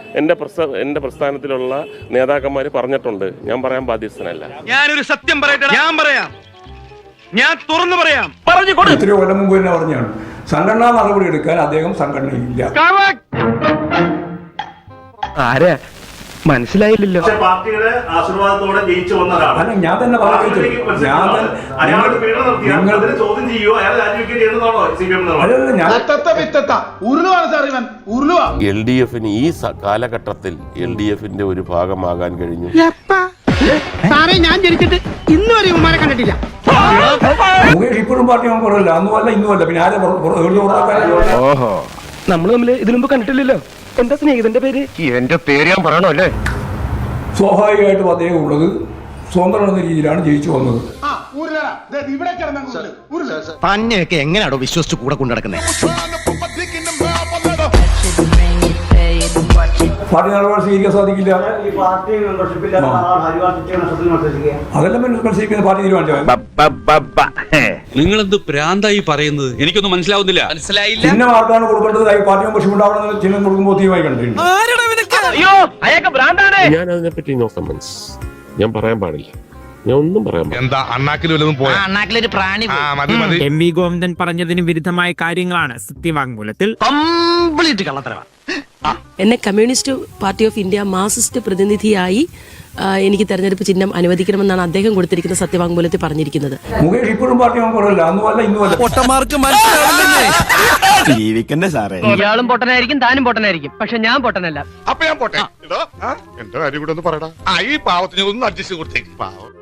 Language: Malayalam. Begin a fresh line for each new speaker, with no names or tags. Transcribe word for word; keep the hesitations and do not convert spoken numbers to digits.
എൻ്റെ പ്രസ്ഥ എൻ്റെ പ്രസ്ഥാനത്തിലുള്ള നേതാക്കന്മാർ പറഞ്ഞിട്ടുണ്ട്. ഞാൻ പറയാൻ ബാധ്യസ്ഥനല്ല.
ഞാനൊരു സത്യം പറയട്ടെ, ഞാൻ പറയാം, ഞാൻ തുറന്നു പറയാം.
എത്രയോ കൊല്ലം മുമ്പ് തന്നെ പറഞ്ഞാണ് സംഘടനാ നടപടി എടുക്കാൻ അദ്ദേഹം സംഘടനയില്ല.
ആരാ മനസ്സിലായില്ലല്ലോ.
പാർട്ടിയുടെ ആശീർവാദത്തോടെ ജയിച്ചു വന്നതാണ്.
അല്ല, ഞാൻ തന്നെ പറഞ്ഞു.
എൽ ഡി എഫിന് ഈ കാലഘട്ടത്തിൽ എൽ ഡി എഫിന്റെ ഒരു ഭാഗമാകാൻ കഴിഞ്ഞു.
ഞാൻ ജനിച്ചിട്ട് ഇന്ന് വരെ ഉമ്മാരെ കണ്ടിട്ടില്ല.
മുകേഷ് ഇപ്പോഴും പാർട്ടി പറയല്ല, അന്നുമല്ല ഇന്നുമല്ല, പിന്നെ ആരെ
ഓഹോ, നമ്മൾ തമ്മിൽ ഇതിനു മുമ്പ് കണ്ടിട്ടില്ലല്ലോ. എന്താ സ്നേഹിതന്റെ പേര്? എന്റെ പേര് ഞാൻ പറയണോ അല്ലേ?
സ്വാഭാവികമായിട്ടും അദ്ദേഹം ഉള്ളത് സ്വതന്ത്രം എന്ന രീതിയിലാണ് ജയിച്ചു വന്നത്.
തന്നെയൊക്കെ എങ്ങനെയാണോ വിശ്വസിച്ച് കൂടെ കൊണ്ടുനടക്കുന്നത്?
പാർട്ടി നിലപാട് സ്വീകരിക്കാൻ സാധിക്കില്ല. അതെല്ലാം മത്സരിക്കുന്ന പാർട്ടി തീരുമാനിച്ചത്.
നിങ്ങളെന്ത് പ്രാന്തായി പറയുന്നത്? എനിക്കൊന്നും മനസ്സിലാവുന്നില്ല. മനസ്സിലായില്ല.
ചിഹ്നം ആർക്കാണ് കൊടുക്കേണ്ടത്? പാർട്ടി മെമ്പർഷിപ്പ് ഉണ്ടാവണമെന്ന് ചിഹ്നം കൊടുക്കുമ്പോൾ തീരുമാനം കണ്ടിട്ടുണ്ട്.
ഞാൻ അതിനെപ്പറ്റി നോ കമന്റ്സ്. ഞാൻ പറയാൻ പാടില്ല. ഞാൻ ഒന്നും പറയാൻ പാടില്ല.
എന്താ അണ്ണാക്കിൽ വല്ലതും പോയാ?
അണ്ണാക്കിലൊരു പ്രാണി.
എം വി ഗോവിന്ദൻ പറഞ്ഞതിന് വിരുദ്ധമായ കാര്യങ്ങളാണ് സത്യവാങ്മൂലത്തിൽ.
കംപ്ലീറ്റ് കള്ളത്തരവാ.
എന്നെ communist party of India marxist പ്രതിനിധിയായി എനിക്ക് തെരഞ്ഞെടുപ്പ് ചിഹ്നം അനുവദിക്കണമെന്നാണ് അദ്ദേഹം കൊടുത്തിരിക്കുന്ന സത്യവാങ്മൂലത്തിൽ പറഞ്ഞിരിക്കുന്നത്.
മുകേഷ് ഇപ്പോഴും പാർട്ടി പറയല്ല, അന്നുമല്ല ഇന്നുമല്ല.
ജീവിക്കണ്ടേ സാറേ?
ഇയാളും പൊട്ടനായിരിക്കും, താനും പൊട്ടനായിരിക്കും, പക്ഷെ ഞാൻ പൊട്ടനല്ല.
അപ്പൊ ഞാൻ പോട്ടെ. എന്റെ കാര്യം കൂടെ ഒന്ന് പറയടാ. ഈ പാവത്തിന് ഒന്ന് അഡ്ജസ്റ്റ് കൊടുത്തേക്ക്. പാവം.